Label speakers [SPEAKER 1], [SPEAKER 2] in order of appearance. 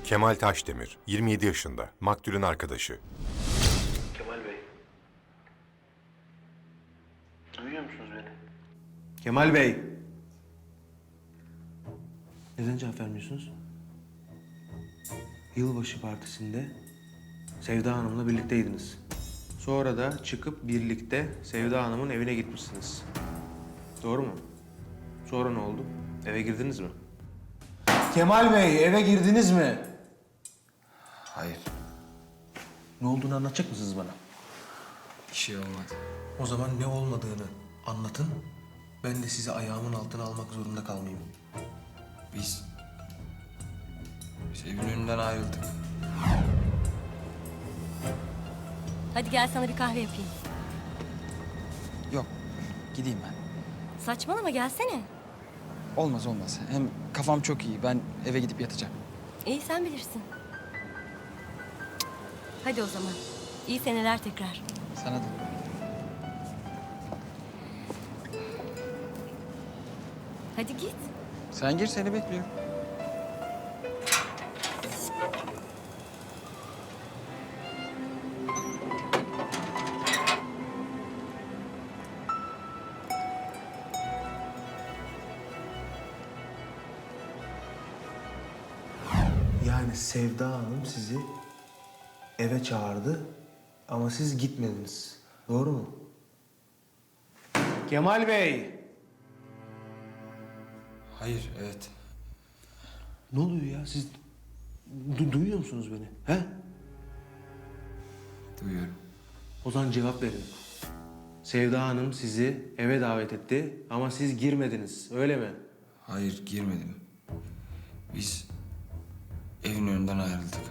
[SPEAKER 1] Kemal Taşdemir, 27 yaşında, maktulün arkadaşı.
[SPEAKER 2] Kemal Bey. Duyuyor musunuz beni?
[SPEAKER 3] Kemal Bey. Neden cevap vermiyorsunuz? Yılbaşı partisinde Sevda Hanım'la birlikteydiniz. Sonra da çıkıp birlikte Sevda Hanım'ın evine gitmişsiniz. Doğru mu? Sonra ne oldu? Eve girdiniz mi? Kemal Bey, eve girdiniz mi?
[SPEAKER 4] Hayır,
[SPEAKER 3] Ne olduğunu anlatacak mısınız bana?
[SPEAKER 4] bir şey olmadı.
[SPEAKER 3] O zaman ne olmadığını anlatın. Ben de sizi ayağımın altına almak zorunda kalmayayım.
[SPEAKER 4] Biz evin önünden ayrıldık.
[SPEAKER 5] Hadi gel sana bir kahve yapayım.
[SPEAKER 4] Yok, gideyim ben.
[SPEAKER 5] Saçmalama gelsene.
[SPEAKER 4] Olmaz olmaz. Hem kafam çok iyi. Ben eve gidip yatacağım.
[SPEAKER 5] İyi sen bilirsin. Hadi o zaman. İyi seneler tekrar.
[SPEAKER 4] Sana da.
[SPEAKER 5] Hadi git.
[SPEAKER 4] Sen gir, seni bekliyorum.
[SPEAKER 3] Yani Sevda Hanım sizi eve çağırdı ama siz gitmediniz. Doğru mu? Kemal Bey!
[SPEAKER 4] Hayır, evet.
[SPEAKER 3] Ne oluyor ya? Siz duyuyor musunuz beni? He?
[SPEAKER 4] Duyuyorum.
[SPEAKER 3] O zaman cevap verin. Sevda Hanım sizi eve davet etti ama siz girmediniz. Öyle mi?
[SPEAKER 4] Hayır, girmedim. Biz evin önünden ayrıldık.